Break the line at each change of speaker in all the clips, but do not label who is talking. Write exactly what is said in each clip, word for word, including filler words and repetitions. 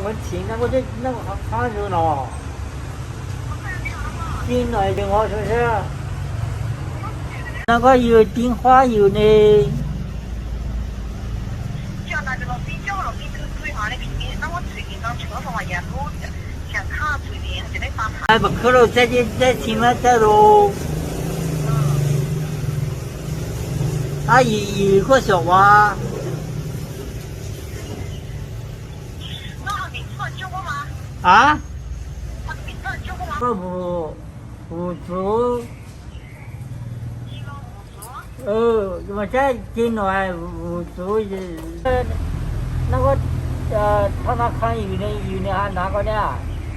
们请那我就那个好好热闹，进来电话是不是？那个有电话有呢。
叫那个老师叫老师这个最好的平面，那我最近刚车上话也路想看最近就得翻盘。
哎，不去了，再去再请了再喽。他有有一个小娃。
那他名字叫过吗？
啊？
他名字叫过吗？
不不不足。呃，我在进来五足是，呃，那个呃，他那看有的有的还哪个呢？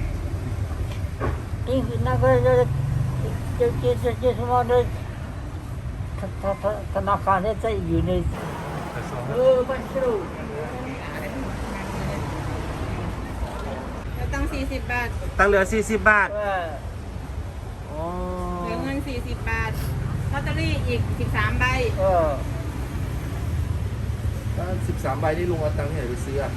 因那个这这这这这什么的，他他他他那看的在有的，呃，不是喽。
ตั้งสี่สิบบาท
ตั้งเหลือสี่สิบบาท
呃，
อ๋อ
เหลือเงินสี่สิบบาทลอตเตอรี่อีกสิบสามใบ
呃，
ถ้าสิบสามใบที่ลุงเอาตังค์ที่ไหนไปซื้ออ่ะ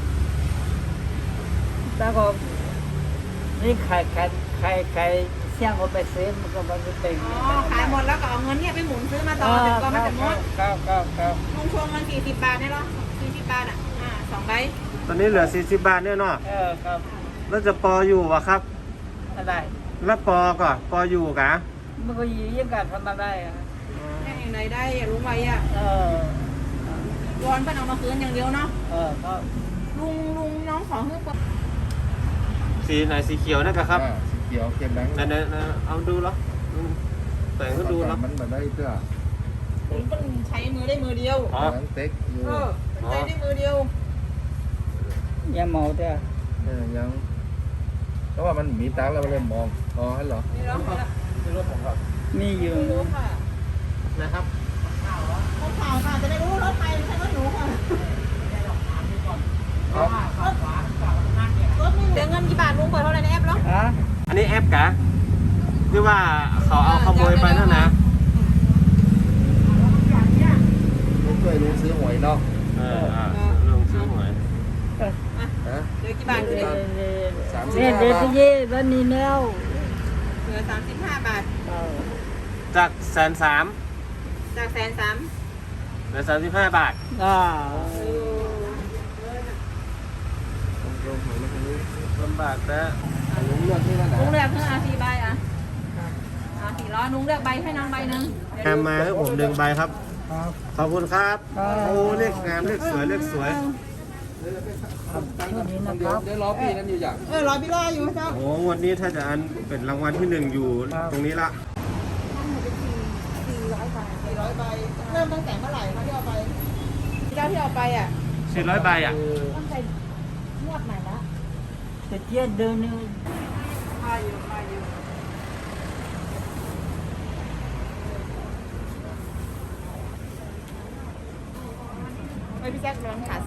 那个你开开开开，像我ไปซื้อมันก็มันจะเป็น
อ๋อขายหมดแล้วก็เอาเงินเนี่ยไปหมุนซื้อมาต่อจนกว่ามันจะหมด
ครับครับครับ
ลุงชวงเงินสี่สิบบาทได้หรอสี่สิบบาทอ่ะอ่าสองใบ
ตอนนี้เหลือสี่สิบบาทเนี่ยเนาะ
เออครับ
แล้วจะปออยู่วะครับ
อะไร
แล้วปอก่อนปออยู่กะ
มันก็ยืมกันทำมาได้อะ
แค่อย่างไรได้อย่าลุงไว้อ่ะ
เออ
วอนเพิ่นเอามาคืนอย่างเดียวเนาะ
เออครับ
ลุงลุงน้องขอเพิ่ม
สีไหนสีเขียวนะครับครับ
อ่าสีเขียวเขียนแบงค์
ไหนไหนไหนเอาดูเหรออืมแต่งก็ดูเหรอ
มันแบบได้เสื้อ
ลุงเพิ่นใช้มือได้มือเดียว
อ๋อ
หนังเต็กอยู่
เออใช้ได้มือเดียว
อย่าเมาเด้อ
เออยังเพราะว่ามันมีตังค์แล้วมันเลยมองอ๋อฮัลโหล
นี่เนาะ
นี่รถผมครับ
มีอยู่
ไม่รู้ค่ะ
นะครับ
รถข่าวค่ะจะได้รู้รถใครไม่ใช่รถหนูค่ะ
เอา
รถนี่เหลือเงินกี่บาทลุงเปิดเท่าไหร่ในแอปเหรอ
ฮะ
อันนี้แอปกะที่ว่าเขาเอาขโมยไปนั่นนะ
ลุงช่วยลุงซื้อหวยเนาะ
เอออ่ะลงซื้อหวย
ฮะ
เหลือกี่บาทคือ
เนี่ยเด็กเย่บ้านนี้แล้ว
เหลือสามสิบห้าบาท
เออ
จากแสนสาม
จากแสนสาม
เหลือสามสิบห้าบาท
อ่า
ลงหวยมาทางนี้
ลำบากแต่
ลุงเลือกที่นั่นนะ
ลุงเลือกเพื่ออาสี่ใบอ่ะอาสี่ร้อยลุงเลือกใบให้น้องใบหนึ่ง
แอมมาให้ผมหนึ่งใบครับ
ครับ
ขอบคุณครับ โอ้เลขงามเลขสวยเลขสวย
ช่วงนี้นะค
เดี๋ยว
รับ
เดี๋ยวรอพี่นั่นอยู่อย่าง
เออรอพี่รออยู่เจ้า
โอ้วันนี้ถ้าจะอันเป็นรางวัลที่หนึ่งอยู่ตรงนี้ละ
สี่ร้อยใบเริ่มตั้งแต่เมื่อไหร่คะที่เอาไปเจ้าที่เอาไปอ่ะ
สี่ร้อยใบอ่ะ
ตั้งแต่งวดไหนละ
แต่เที่ยเดินนี่
มาอยู่มาอยู่ไม่พี่แจ๊คร้อนขาด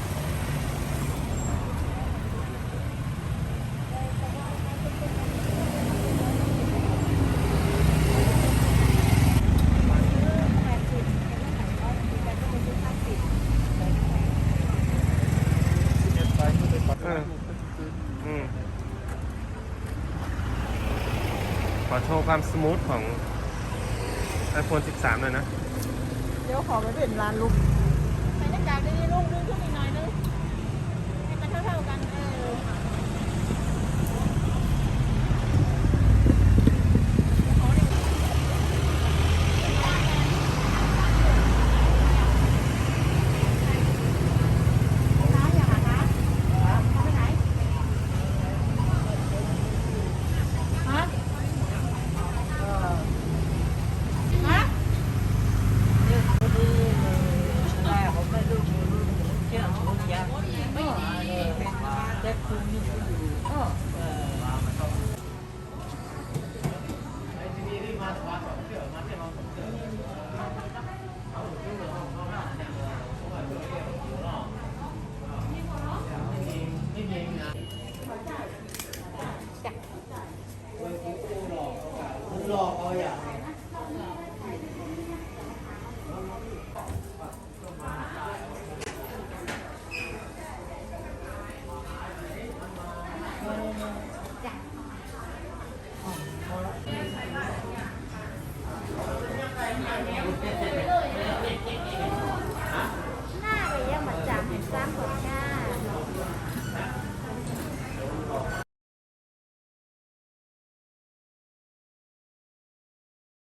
เอออืมขอโชว์ความสมูทของ iPhone สิบสามเลยนะ
เดี๋ยวขอไปเป็นร้านลุกใส่หน้ากากได้ๆลุงดึงขึ้นอีกหน่อยนึงให้มันเท่าๆกันเออร้านอย่างไรคะเอาไปไหนฮะฮะ
แม่ผมไม่รู้เชื่อผมยังแต่คุณนี่อยู่